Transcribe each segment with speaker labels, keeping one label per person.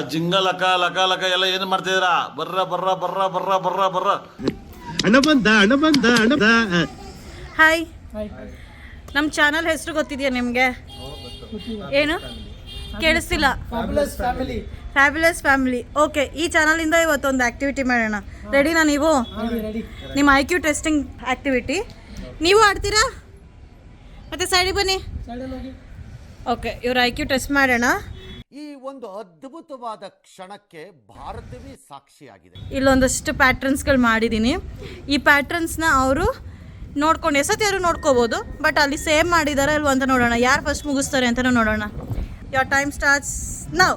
Speaker 1: ಜಿಂಗ ಲಕ ಲಕ ಲಕ ಎಲ್ಲ ಏನು ಮಾಡ್ತಿದ್ದೀರಾ? ಬರ್ರ ಬರ್ರ ಬರ್ರ ಬರ್ರ ಬರ್ರ ಬರ್ರ.
Speaker 2: ಅಣ್ಣ ಬಂದ ಅಣ್ಣ ಬಂದ ಅಣ್ಣ ಬಂದ.
Speaker 3: ಹಾಯ್, ನಮ್ಮ ಚಾನಲ್ ಹೆಸರು ಗೊತ್ತಿದೆಯಾ ನಿಮಗೆ? ಏನು ಕೇಳಿಸ್ತಿಲ್ಲ? Fabulous family. ಓಕೆ, ಈ ಚಾನಲಿಂದ ಇವತ್ತೊಂದು ಆ್ಯಕ್ಟಿವಿಟಿ ಮಾಡೋಣ. ರೆಡಿನಾ ನೀವು? ನಿಮ್ಮ IQ ಟೆಸ್ಟಿಂಗ್ ಆ್ಯಕ್ಟಿವಿಟಿ. ನೀವು ಆಡ್ತೀರಾ? ಮತ್ತೆ ಸೈಡಿಗೆ ಬನ್ನಿ. ಓಕೆ, ಇವ್ರ IQ ಟೆಸ್ಟ್ ಮಾಡೋಣ.
Speaker 4: ಈ ಒಂದು ಅದ್ಭುತವಾದ ಕ್ಷಣಕ್ಕೆ ಭಾರತವೇ ಸಾಕ್ಷಿಯಾಗಿದೆ.
Speaker 3: ಇಲ್ಲೊಂದಷ್ಟು ಪ್ಯಾಟ್ರನ್ಸ್ಗಳು ಮಾಡಿದ್ದೀನಿ. ಈ ಪ್ಯಾಟ್ರನ್ಸ್ನ ಅವರು ನೋಡ್ಕೊಂಡು ಎಸತ್ಯಾರು ನೋಡ್ಕೋಬೋದು, ಬಟ್ ಅಲ್ಲಿ ಸೇಮ್ ಮಾಡಿದಾರ ಇಲ್ವ ಅಂತ ನೋಡೋಣ. ಯಾರು ಫಸ್ಟ್ ಮುಗಿಸ್ತಾರೆ ಅಂತಲೂ ನೋಡೋಣ. Your time starts now.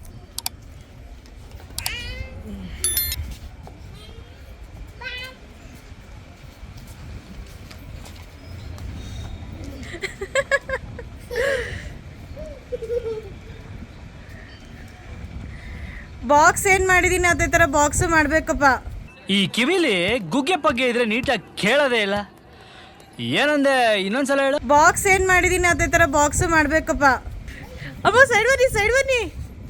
Speaker 3: Box ಏನ್ ಮಾಡಿದೀನಿ ಅದೇ ತರ ಬಾಕ್ಸ್ ಮಾಡ್ಬೇಕಪ್ಪ.
Speaker 5: ಈ ಕಿವಿಲಿ ಗುಗ್ಗೆ ಪಗ್ಗೆ ಇದ್ರೆ ನೀಟಾಗಿ ಕೇಳೋದೇ ಇಲ್ಲ. ಏನಂದೆ ಇನ್ನೊಂದ್ಸಲ ಹೇಳು.
Speaker 3: ಬಾಕ್ಸ್ ಏನ್ ಮಾಡಿದೀನಿ ಅದೇ ತರ ಬಾಕ್ಸ್ ಮಾಡ್ಬೇಕಪ್ಪ. ಅಮ್ಮ ಸೈಡ್ ಬನ್ನಿ, ಸೈಡ್ ಬನ್ನಿ.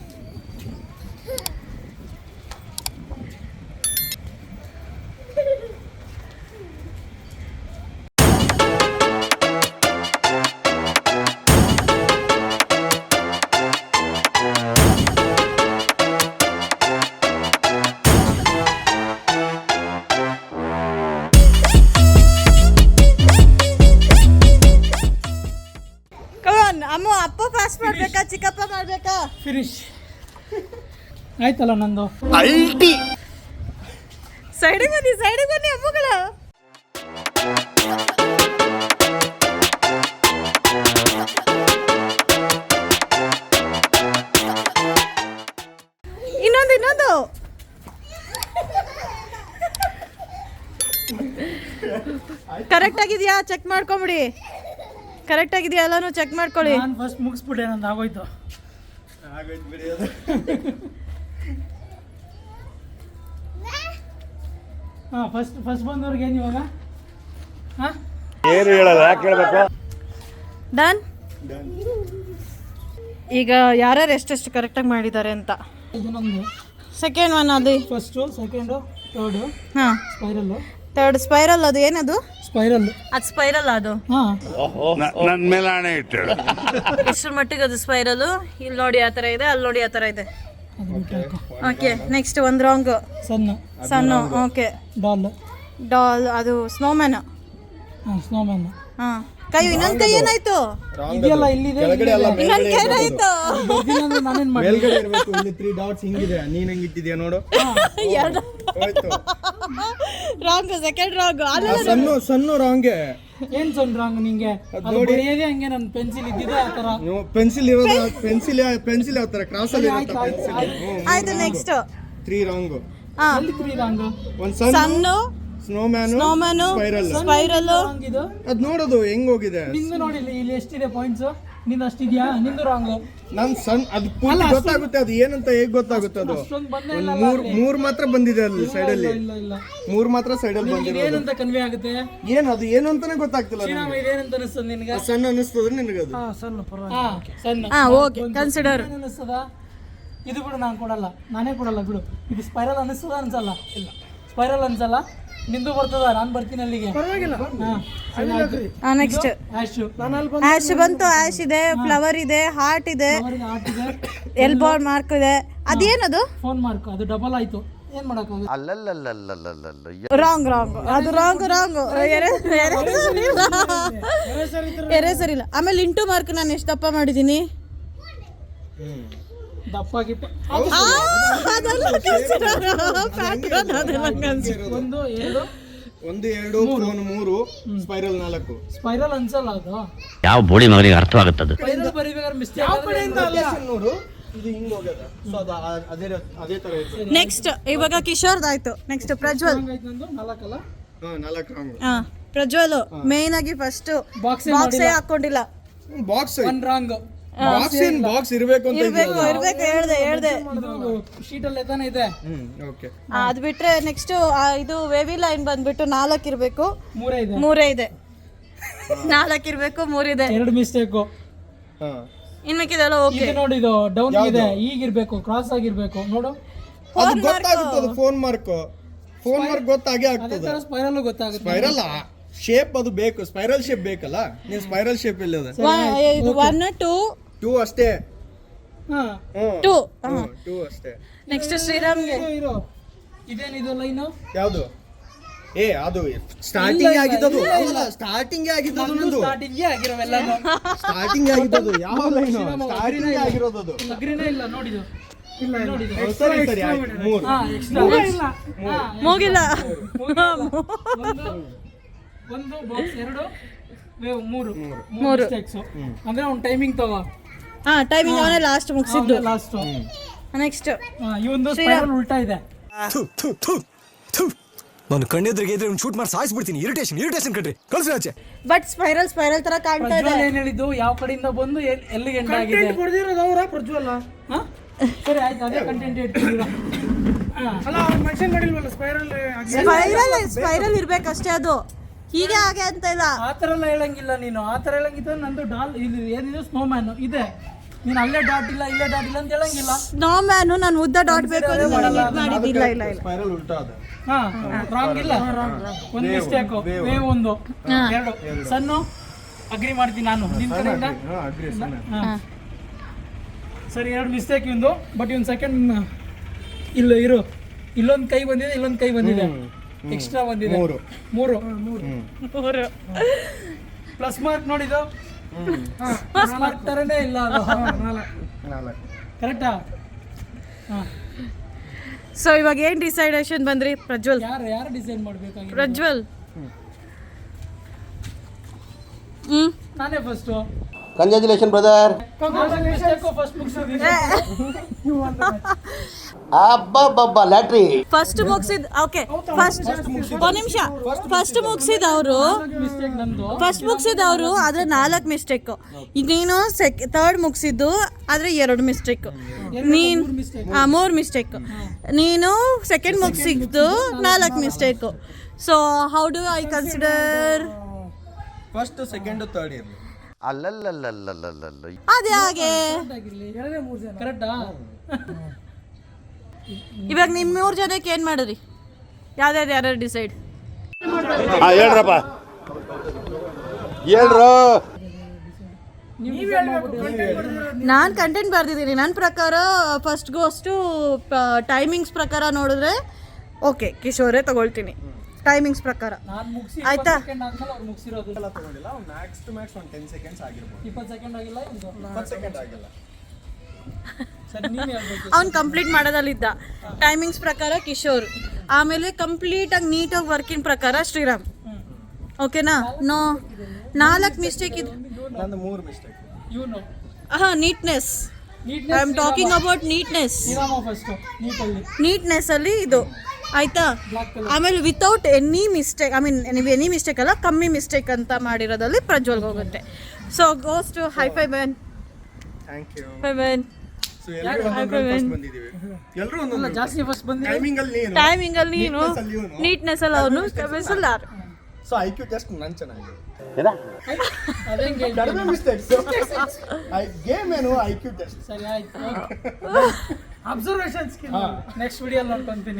Speaker 3: ಅಮ್ಮ ಅಪ್ಪ ಫಾಸ್ಟ್ ಮಾಡ್ಬೇಕಾ ಚಿಕ್ಕಪ್ಪ ಮಾಡ್ಬೇಕಾ?
Speaker 6: ಫಿನಿಶ್ ಆಯ್ತಲ್ಲ ನಂದು.
Speaker 4: ಅಲ್ಟಿ
Speaker 3: ಸೈಡಿಗೆ ಬನ್ನಿ, ಸೈಡಿಗೆ ಬನ್ನಿ ಅಮ್ಮಗಳು. ಇನ್ನೊಂದು ಕರೆಕ್ಟ್ ಆಗಿದೆಯಾ ಚೆಕ್ ಮಾಡ್ಕೊಂಬಿಡಿ. ಕರೆಕ್ಟ್ ಆಗಿದೆಯಾ ಎಲ್ಲಾನು ಚೆಕ್ ಮಾಡ್ಕೊಳ್ಳಿ.
Speaker 6: ನಾನು ಫಸ್ಟ್ ಮುಗಿಸ್ಬಿಟ್ಟೆ, ನಂದು ಆಗೋಯ್ತು. ಹಾಂ, ಫಸ್ಟ್ ಬಂದವ್ರಿಗೆ ಏನು ಇವಾಗ? ಹಾಂ,
Speaker 2: ಏನು ಹೇಳಲ್ಲ, ಯಾಕೆ ಹೇಳ್ಬೇಕು?
Speaker 3: ಡನ್. ಈಗ ಯಾರ್ಯಾರು ಎಷ್ಟೆಷ್ಟು ಕರೆಕ್ಟಾಗಿ ಮಾಡಿದ್ದಾರೆ ಅಂತ.
Speaker 6: ಇದು ನಮ್ಮದು
Speaker 3: ಸೆಕೆಂಡ್ ಒನ್ ಅದು.
Speaker 6: First, second, third.
Speaker 3: ಹಾಂ,
Speaker 6: ಸ್ಪೈರಲ್ಲು.
Speaker 3: Third spiral. ಅದು ಏನದು?
Speaker 6: ಸ್ಪೈರಲ್ಲು.
Speaker 3: ಅದು ಸ್ಪೈರಲ್. ಅದು
Speaker 6: ಹಾಂ,
Speaker 2: ನನ್ನ ಮೇಲೆ ಹಣೆ ಇಟ್ಟಳು.
Speaker 3: ಎಷ್ಟರ ಮಟ್ಟಿಗೆ ಅದು ಸ್ಪೈರಲು? ಇಲ್ಲಿ ನೋಡಿ ಆ ಥರ ಇದೆ, ಅಲ್ಲಿ ನೋಡಿ ಆ ಥರ ಇದೆ.
Speaker 6: ಅದು ಬಿಟ್ಟು ಹಾಕು.
Speaker 3: ಓಕೆ, ನೆಕ್ಸ್ಟ್ ಒಂದು ರಾಂಗ್. ಸಣ್ಣ. Okay, doll. ಅದು ಸ್ನೋಮ್ಯಾನ್.
Speaker 6: ಹಾಂ, ಸ್ನೋಮ್ಯಾನ್.
Speaker 3: ಹಾಂ, ಕೈ. ಇನ್ನೊಂದು ಕೈ ಏನಾಯ್ತು?
Speaker 6: ಇದೆಯಲ್ಲ ಇಲ್ಲಿದೆ.
Speaker 3: ಇನ್ನೊಂದು ಕೈ ಏನಾಯ್ತು?
Speaker 6: ನಾನೇನು ಮಾಡಿ
Speaker 7: ಮೇಲ್ಗಡೆ ಇರಬೇಕು. ಇಲ್ಲಿ 3 ಡಾಟ್ಸ್ ಹಿಂಗಿದೆ. ನೀನ್ ಹೆಂಗ್ ಇಟ್ಟಿದ್ಯಾ ನೋಡು.
Speaker 3: ಎರಡು ರಾಂಗ್. Second wrong.
Speaker 7: ಸಣ್ಣ ರಾಂಗೆ.
Speaker 6: ಏನ್ ಸಣ್ಣ ರಾಂಗ್ ನಿಂಗೆ? ಅದು ಬರೆಯೋದೇ ಹಂಗೆ. ನನ್ನ ಪೆನ್ಸಿಲ್ ಇದ್ದಿದೆ ಆ ಥರ.
Speaker 7: ಪೆನ್ಸಿಲ್ ಇರೋದು. ಪೆನ್ಸಿಲ್ ಯಾವ ತರ ಕ್ರಾಸ್ ಅಲ್ಲಿ ಇರುತ್ತೆ ಪೆನ್ಸಿಲ್.
Speaker 3: ಆಯ್ತು, ನೆಕ್ಸ್ಟ್
Speaker 7: 3 ರಾಂಗ್.
Speaker 3: ಹಾಂ,
Speaker 6: ಎಲ್ಲಿ 3 ರಾಂಗ್?
Speaker 7: ಒಂದ್
Speaker 3: ಸಣ್ಣ
Speaker 7: ಸ್ನೋಮ್ಯಾನ್
Speaker 3: ಸ್ಪೈರಲ್.
Speaker 6: ಇದು
Speaker 7: ಅದ್ ನೋಡೋದು ಹೆಂಗ್ ಹೋಗಿದೆ.
Speaker 6: ನಿಂದು ನೋಡಿ, ಇಲ್ಲಿ ಎಷ್ಟಿದೆ ಪಾಯಿಂಟ್ಸ್? ನಿಂದು ಅಷ್ಟಿದ್ಯಾ? ನಿಂದು ರಾಂಗ್.
Speaker 7: ನನ್ ಅದು ಪೂರ್ತಿ ಗೊತ್ತಾಗುತ್ತೆ. ಅದು ಏನಂತ ಹೇಗ್ ಗೊತ್ತಾಗುತ್ತೆ? ಅದು
Speaker 6: ಅಷ್ಟೊಂದು ಬಂದೇ ಇಲ್ಲ.
Speaker 7: ಮೂರ್ ಮಾತ್ರ ಬಂದಿದೆ ಅಲ್ಲಿ ಸೈಡ್ ಅಲ್ಲಿ.
Speaker 6: ಇಲ್ಲ
Speaker 7: 3 ಮಾತ್ರ ಸೈಡ್ ಅಲ್ಲಿ ಬಂದಿದೆ.
Speaker 6: ಏನಂತ ಕನ್ವೆ ಆಗುತ್ತೆ?
Speaker 7: ಅದು ಏನು ಅಂತಾನೆ ಗೊತ್ತಾಗ್ತಿಲ್ಲ.
Speaker 6: ಇದೇನಂತ ಅನಿಸ್ತದ ನಿನಗೆ?
Speaker 7: ಸಣ್ಣ ಅನಿಸ್ತದ ನಿನಗದು?
Speaker 6: ಸಣ್ಣ ಪರವಾಗಿಲ್ಲ. ಸಣ್ಣ.
Speaker 3: Okay, consider.
Speaker 6: ಅನಿಸ್ತದ? ಇದು ಬಿಡು, ನಾನು ಕೊಡಲ್ಲ. ನಾನೇ ಕೊಡಲ್ಲ ಬಿಡು. ಇದು ಸ್ಪೈರಲ್ ಅನಿಸ್ತದ ಅನ್ಸಲ್ಲ? ಇಲ್ಲ, ಸ್ಪೈರಲ್ ಅನ್ಸಲ್ಲ. ನಿಂದು ಬರ್ತದ, ನಾನು ಬರ್ತೀನಿ ಅಲ್ಲಿಗೆ. ಪರವಾಗಿಲ್ಲ.
Speaker 3: ನೆಕ್ಸ್ಟ್ ಆಶ್ ಬಂತು. ಆಶ್ ಇದೆ, ಫ್ಲವರ್ ಇದೆ, ಹಾರ್ಟ್ ಇದೆ, ಎಲ್ಬೋ ಮಾರ್ಕ್ ಇದೆ. ಅದೇನದು?
Speaker 6: Phone mark. ಅದು ಡಬಲ್ ಆಯ್ತು, ಏನ್ ಮಾಡಕ್ಕಾಗುತ್ತೆ?
Speaker 3: ರಾಂಗ್. ಅದು ರಾಂಗ್. ಎರೇಸರ್ ಇಲ್ಲ. ಆಮೇಲೆ ಇಂಟು ಮಾರ್ಕ್ ನಾನು ಎಷ್ಟು ದಪ್ಪ ಮಾಡಿದ್ದೀನಿ?
Speaker 6: ದಪ್ಪ ಗಿಪ್ಪ.
Speaker 7: ಒಂದು 2 ಫೋನ್ 3 ಸ್ಪೈರಲ್ 4.
Speaker 6: ಸ್ಪೈರಲ್ ಅನ್ಸಲ್ಲ ಅದು.
Speaker 5: ಯಾವ ಬೋಳಿ ಮಗನಿಗೆ ಅರ್ಥವಾಗುತ್ತದೆ?
Speaker 6: ಸ್ಪೈರಲ್ ಬರಿಬೇಕಾದ್ರೆ ಮಿಸ್ಟೇಕ್.
Speaker 7: ನೋಡು, ಇದು ಹಿಂಗ್ ಹೋಗ್ಯದ. ಸೊ ಅದೇ ತರ ಇದೆ.
Speaker 3: ನೆಕ್ಸ್ಟ್ ಇವಾಗ ಕಿಶೋರ್ದಾಯ್ತು. ನೆಕ್ಸ್ಟ್ ಪ್ರಜ್ವಲ್.
Speaker 6: 4 ಅಲ್ಲ?
Speaker 7: 4 ರಾಂಗ್.
Speaker 3: ಪ್ರಜ್ವಲ್ ಮೇನ್ ಆಗಿ ಫಸ್ಟ್ ಬಾಕ್ಸ್ ಹಾಕೊಂಡಿಲ್ಲ.
Speaker 7: Box
Speaker 6: 1 wrong.
Speaker 7: ಬಾಕ್ಸ್ ಇರಬೇಕು ಅಂತ
Speaker 3: ಇರ್ಬೇಕು ಹೇಳ್ದೆ.
Speaker 6: ಶೀಟ್ ಅಲ್ಲಿ ತಾನೇ ಇದೆ.
Speaker 7: ಓಕೆ,
Speaker 3: ಅದು ಬಿಟ್ರೆ ನೆಕ್ಸ್ಟ್ ಇದು ವೇವಿ ಲೈನ್ ಬಂದ್ಬಿಟ್ಟು 4 ಇರಬೇಕು.
Speaker 6: 3
Speaker 3: ಇದೆ. 4 ಇರಬೇಕು, 3 ಇದೆ.
Speaker 6: 2 ಮಿಸ್ಟೇಕು.
Speaker 3: ಇನ್ ಮಿಕ್ಕಿದೆಲ್ಲ ಓಕೆ.
Speaker 6: ಇದು ನೋಡಿ, ಇದು ಡೌನ್ ಇದೆ, ಈಗಿರ್ಬೇಕು, ಕ್ರಾಸ್ ಆಗಿರ್ಬೇಕು ನೋಡು.
Speaker 7: ಅದು ಗೊತ್ತಾಗುತ್ತದೆ. ಫೋನ್ ಮಾರ್ಕ್ ಗೊತ್ತಾಗೇ
Speaker 6: ಅದೇ
Speaker 7: ಆಗ್ತದೆ.
Speaker 6: ತರ ಸ್ಪೈರಲ್ ಗೊತ್ತಾಗುತ್ತೆ.
Speaker 7: ಸ್ಪೈರಲ್ ಶೇಪ್ ಅದು ಬೇಕು, ಸ್ಪೈರಲ್ ಶೇಪ್ ಬೇಕಲ್ಲ. ನೀನ್ ಸ್ಪೈರಲ್ ಶೇಪ್ ಇಲ್ಲ ಅದ.
Speaker 3: 1 2
Speaker 7: 2 ಅಷ್ಟೇ.
Speaker 6: ಹಾ
Speaker 3: 2.
Speaker 7: 2 ಅಷ್ಟೇ.
Speaker 3: ನೆಕ್ಸ್ಟ್ ಶ್ರೀರಾಮ್ಗೆ
Speaker 6: ಇರೋ ಇದೇನಿದು ಲೈನು?
Speaker 7: ಯಾವುದು? ಅದು ಸ್ಟಾರ್ಟಿಂಗ್ ಆಗಿದ್ದದು. ಸ್ಟಾರ್ಟಿಂಗ್ ಆಗಿದ್ದದು ನಂದು.
Speaker 6: ಸ್ಟಾರ್ಟಿಂಗ್ ಆಗಿರೋವೆಲ್ಲನು
Speaker 7: ಸ್ಟಾರ್ಟಿಂಗ್ ಆಗಿದ್ದದು. ಯಾವ ಲೈನ್? ಸ್ಟಾರ್ಟಿಂಗ್ ಆಗಿರೋದು ಅದು.
Speaker 6: ಅಗ್ರಿನೇ ಇಲ್ಲ ನೋಡಿದು. ಇಲ್ಲ ನೋಡಿದು.
Speaker 7: ಸರಿ ಆಯ್ತು. 3.
Speaker 6: ಹಾ ಎಕ್ಸ್ಟ್ರಾ ಇಲ್ಲ.
Speaker 3: ಮುಗಿಲ್ಲ.
Speaker 6: ಒಂದು ಬಾಕ್ಸ್, 2 ವೇವ್, 3
Speaker 3: ಮೂರು.
Speaker 6: ಮಿಸ್ಟೇಕ್ಸ್. ಅಂದ್ರೆ ಒಂದು ಟೈಮಿಂಗ್ ತಗೋ.
Speaker 3: ಟೈಮಿಂಗ್ ಅವನೇ ಲಾಸ್ಟ್ ಮುಗಿಸಿದ್ದು.
Speaker 6: ಲಾಸ್ಟ್
Speaker 3: ನೆಕ್ಸ್ಟ್
Speaker 6: ಇವಂದು ಸ್ಪೈರಲ್ ಉಲ್ಟಾ ಇದೆ.
Speaker 8: ನಾನು ಕಣ್ಣೆದ್ರಿಗೆ ಇದ್ರೆ ಶೂಟ್ ಮಾಡಿ ಸಾಯಿಸ್ಬಿಡ್ತೀನಿ. ಇರಿಟೇಷನ್ ಕಣ್ರಿ, ಕಳ್ಸಿ ಆಚೆ.
Speaker 3: ಬಟ್ ಸ್ಪೈರಲ್ ತರ ಕಾಣ್ತಾ ಇದೆ.
Speaker 6: ಪ್ರಜ್ವಲ್ ಏನ್ ಹೇಳಿದ್ದು, ಯಾವ ಕಡೆಯಿಂದ ಬಂದು ಎಲ್ಲಿಗೆ ಎಂಡ್ ಆಗಿದೆ ಕೊಡ್ದಿರೋದು ಅವರ ಪ್ರಜ್ವಲ್. ಸರಿ ಆಯ್ತು, ಅದೇ ಕಂಟೆಂಟ್ ಇಡ್ತೀರಾ? ಅಲ್ಲ ಅವ್ರು ಮೆನ್ಷನ್ ಮಾಡಿಲ್ವಲ್ಲ
Speaker 3: ಸ್ಪೈರಲ್ ಇರ್ಬೇಕಷ್ಟೇ, ಅದು ಹೀಗೆ ಹಾಗೆ ಅಂತ ಇಲ್ಲ.
Speaker 6: ಆ ಥರ ಎಲ್ಲ ಹೇಳಂಗಿಲ್ಲ ನೀನು. ಆ ಥರ ಹೇಳಂಗಿದ್ರೆ ನಂದು ಡಾಲ್ ಇದು ಏನಿದೆ ಸ್ನೋಮ್ಯಾನ್ ಇದೆ. ನೀನು ಅಲ್ಲೇ ಡಾಟ್ ಇಲ್ಲ ಇಲ್ಲೇ ಡಾಟ್ ಇಲ್ಲ ಅಂತ ಹೇಳಂಗಿಲ್ಲ.
Speaker 3: ಸ್ನೋ ಮ್ಯಾನು ನಾನು ಉದ್ದ ಡಾಟ್ ಬೇಕು ಅಂತ ಮಾಡಿದ್ದಿಲ್ಲ. ಇಲ್ಲ
Speaker 7: ಸ್ಪೈರಲ್ ಉಲ್ಟಾ ಅದ.
Speaker 6: ಹಾ ರಾಂಗ್ ಇಲ್ಲ, ಒಂದು ಮಿಸ್ಟೇಕ್. ವೇವ್ 1 2 ಸನ್ನು ಅಗ್ರಿ ಮಾಡ್ತೀನಿ ನಾನು ನಿನ್ ಕಡೆಯಿಂದ. ಸರಿ 2 ಮಿಸ್ಟೇಕ್ ಇವಂದು. ಬಟ್ ಇವನ್ ಸೆಕೆಂಡ್ ಇಲ್ಲ ಇರು, ಇಲ್ಲೊಂದು ಕೈ ಬಂದಿದೆ, ಇಲ್ಲೊಂದು ಕೈ ಬಂದಿದೆ, ಎಕ್ಸ್ಟ್ರಾ ಬಂದಿದೆ. 3 ಪ್ಲಸ್ ಮಾರ್ಕ್ ನೋಡಿದ್ದು. ಪ್ಲಸ್ ಮಾರ್ಕ್ ತರನೇ ಇಲ್ಲ ಅದು. 4 ಕರೆಕ್ಟಾ?
Speaker 3: ಸೊ ಇವಾಗ ಏನ್ ಡಿಸೈಡೇಷನ್ ಬಂದ್ರಿ ಪ್ರಜ್ವಲ್?
Speaker 6: ಯಾರು ಡಿಸೈಡ್ ಮಾಡ್ಬೇಕಾಗಿ?
Speaker 3: ಪ್ರಜ್ವಲ್
Speaker 6: ನಾನೇ ಫಸ್ಟ್.
Speaker 4: Congratulation brother.
Speaker 6: ಫಸ್ಟ್ ಮುಗಿಸಿದ್ವಿ.
Speaker 4: ಅಬ್ಬಬ್ಬಬ್ಬ ಲ್ಯಾಟ್ರಿ.
Speaker 3: ಫಸ್ಟ್ ಮುಗಿಸಿದ್ ಓಕೆ. ಫಸ್ಟ್ ಒಂದು ನಿಮಿಷ. ಫಸ್ಟ್ ಮುಗಿಸಿದವರು
Speaker 6: ಮಿಸ್ಟೇಕ್ ನಂದು.
Speaker 3: ಫಸ್ಟ್ ಮುಗಿಸಿದವರು ಆದ್ರೆ 4 ಮಿಸ್ಟೇಕ್. ನೀನು ಥರ್ಡ್ ಮುಗಿಸಿದ್ದು ಆದ್ರೆ 2 ಮಿಸ್ಟೇಕ್. ನೀನು 3 ಮಿಸ್ಟೇಕ್. ನೀನು ಸೆಕೆಂಡ್ ಮುಗಿಸಿದ್ದು 4 mistake. So how do I consider?
Speaker 7: First second third ಇರಲಿ.
Speaker 4: ಅಲ್ಲಲ್ಲಲ್ಲಲ್ಲಲ್ಲಲ್ಲ.
Speaker 3: ಅದೇ ಹಾಗೆ
Speaker 6: ಕರೆಕ್ಟಾ?
Speaker 3: ಇವಾಗ ನಿಮ್ 3 ಜನಕ್ಕೆ ಏನ್ ಮಾಡಿದ್ರಿ? ಯಾರು ಡಿಸೈಡ್?
Speaker 2: ಹೇಳ್ರಪ್ಪ, ಹೇಳ್ರು.
Speaker 3: ನಾನು ಕಂಟೆಂಟ್ ಬರ್ದಿದ್ದೀನಿ. ನನ್ನ ಪ್ರಕಾರ ಫಸ್ಟ್ ಗೋಸ್ಟು ಟೈಮಿಂಗ್ಸ್ ಪ್ರಕಾರ ನೋಡಿದ್ರೆ ಓಕೆ ಕಿಶೋರೇ ತಗೊಳ್ತೀನಿ ಟೈಮಿಂಗ್ಸ್ ಪ್ರಕಾರ.
Speaker 6: ನಾನು ಮುಗಿಸಿ
Speaker 3: ಆಯ್ತಾ?
Speaker 6: ಸೆಕೆಂಡ್ ಆದ್ಮೇಲೆ ಅವ್ರು ಮುಗಿಸಿರೋದು
Speaker 7: ಎಲ್ಲ ತಗೊಂಡಿಲ್ಲ. ಮ್ಯಾಕ್ಸ್ ಟು ಮ್ಯಾಕ್ಸ್ ಒಂದು 10 ಸೆಕೆಂಡ್ಸ್ ಆಗಿರ್ಬೋದು.
Speaker 6: 20 ಸೆಕೆಂಡ್ ಆಗಿಲ್ಲ,
Speaker 7: 20 ಸೆಕೆಂಡ್ ಆಗಿಲ್ಲ.
Speaker 6: ಸರಿ ನೀನು ಹೇಳ್ಬೇಕು.
Speaker 3: ಅವ್ನು ಕಂಪ್ಲೀಟ್ ಮಾಡೋದಲ್ಲಿದ್ದ. ಟೈಮಿಂಗ್ಸ್ ಪ್ರಕಾರ ಕಿಶೋರ್, ಆಮೇಲೆ ಕಂಪ್ಲೀಟಾಗಿ ನೀಟಾಗಿ ವರ್ಕಿಂಗ್ ಪ್ರಕಾರ ಶ್ರೀರಾಮ್. ಓಕೆನಾ? 4 ಮಿಸ್ಟೇಕ್ ಇದೆ.
Speaker 7: ನಂದು 3 ಮಿಸ್ಟೇಕ್.
Speaker 6: ಇವನು
Speaker 3: neatness. I am talking about neatness.
Speaker 6: First ನೀಟಲ್ಲಿ
Speaker 3: ನೀಟ್ನೆಸ್ ಅಲ್ಲಿ ಇದು ಆಯ್ತಾ? ಆಮೇಲೆ without any mistake, I mean ನೀವು ಎನಿ ಮಿಸ್ಟೇಕ್ ಅಲ್ಲ, ಕಮ್ಮಿ ಮಿಸ್ಟೇಕ್ ಅಂತ ಮಾಡಿರೋದಲ್ಲಿ ಪ್ರಜ್ವಲ್ಗೆ ಹೋಗುತ್ತೆ. So goes to hi fi Ben.
Speaker 7: Thank you.
Speaker 3: Hi Ben.
Speaker 7: So ಎಲ್ಲರೂ ಒಂದೊಂದು ಫಸ್ಟ್ ಬಂದಿದ್ದೀವಿ. ಎಲ್ಲರೂ ಒಂದೊಂದು
Speaker 6: ಜಾಸ್ತಿ ಫಸ್ಟ್ ಬಂದಿದೆ.
Speaker 7: ಟೈಮಿಂಗ್ ಅಲ್ಲಿ ನೀನು,
Speaker 3: ಟೈಮಿಂಗ್ ಅಲ್ಲಿ ನೀನು, ನೀಟ್ನೆಸ್ ಅಲ್ಲಿ ಅವನು, ಕಮಿಸಲಾರ್.
Speaker 7: ಸೊ ಐಕ್ಯೂ ಟೆಸ್ಟ್ ನಾನು ಚೆನ್ನಾಗಿದೆ.
Speaker 6: ಅದೇಂಗೆ
Speaker 7: ಕಡಿಮೆ ಮಿಸ್ಟೇಕ್ಸ್. ಗೇಮ್ ಏನು ಐಕ್ಯೂ ಟೆಸ್ಟ್.
Speaker 6: ಸರಿ ಆಯ್ತು. ಅಬ್ಸರ್ವೇಷನ್ ಸ್ಕಿಲ್ ನೆಕ್ಸ್ಟ್ ವಿಡಿಯೋ ನೋಡ್ಕೊಂತೀನಿ.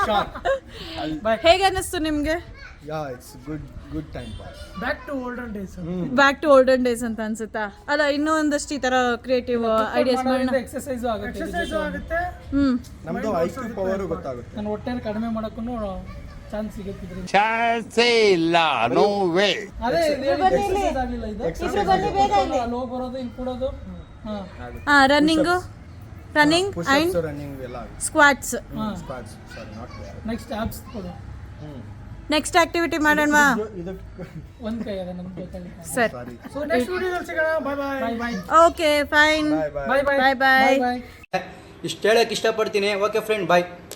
Speaker 3: ಹೇಗೆ ಅನ್ನಿಸ್ತು ನಿಮಗೆ?
Speaker 7: Yeah it's good time pass.
Speaker 6: Back to olden days.
Speaker 3: Back to olden days ಅಂತ ಅನ್ಸುತ್ತಾ? ಅಲ್ಲ ಇನ್ನೂ ಒಂದಷ್ಟು ಈ ತರ ಕ್ರಿಯೇಟಿವ್ ಐಡಿಯಾಸ್ ಮಾಡೋಣ.
Speaker 6: ಎಕ್ಸರ್ಸೈಸ್ ಆಗುತ್ತೆ.
Speaker 7: ನಮ್ದು ಐಕ್ಯೂ ಪವರ್ ಗೊತ್ತಾಗುತ್ತೆ.
Speaker 6: ನಾನು ಹೊಟ್ಟೆನ ಕಡಿಮೆ ಮಾಡಕ್ಕೂ ಚಾನ್ಸ್ ಸಿಗುತ್ತೆ.
Speaker 2: ಚಾನ್ಸೇ ಇಲ್ಲ, ನೋ ವೇ.
Speaker 6: ಅದೇ ಎಕ್ಸರ್ಸೈಸ್ ಆಗಲಿಲ್ಲ ಇದು. ಲೋ ಬರೋದು, ಇಲ್ಲಿ ಕೂಡೋದು.
Speaker 3: ರನ್ನಿಂಗ್ ಅಂಡ್
Speaker 7: ರನ್ನಿಂಗ್ ಎಲ್ಲ
Speaker 3: squats.
Speaker 7: Squats. Sorry not bad.
Speaker 6: Next ಆಪ್ಸ್ ಕೊಡು.
Speaker 3: ನೆಕ್ಸ್ಟ್ ಆಕ್ಟಿವಿಟಿ ಮಾಡೋಣವಾ?
Speaker 7: ಇದು
Speaker 6: ಒಂದು ಕೈ ಅದ ನಮ್ಗೆ ಗೊತ್ತಾಗಿಲ್ಲ.
Speaker 3: ಸರಿ.
Speaker 6: ಸೊ ನೆಕ್ಸ್ಟ್ ವಿಡಿಯೋದಲ್ಲಿ ಸಿಗೋಣ. Bye bye.
Speaker 3: Okay fine.
Speaker 6: Bye bye.
Speaker 3: Bye bye.
Speaker 5: ಇಷ್ಟು ಹೇಳಕ್ಕೆ ಇಷ್ಟಪಡ್ತೀನಿ. ಓಕೆ ಫ್ರೆಂಡ್, ಬಾಯ್.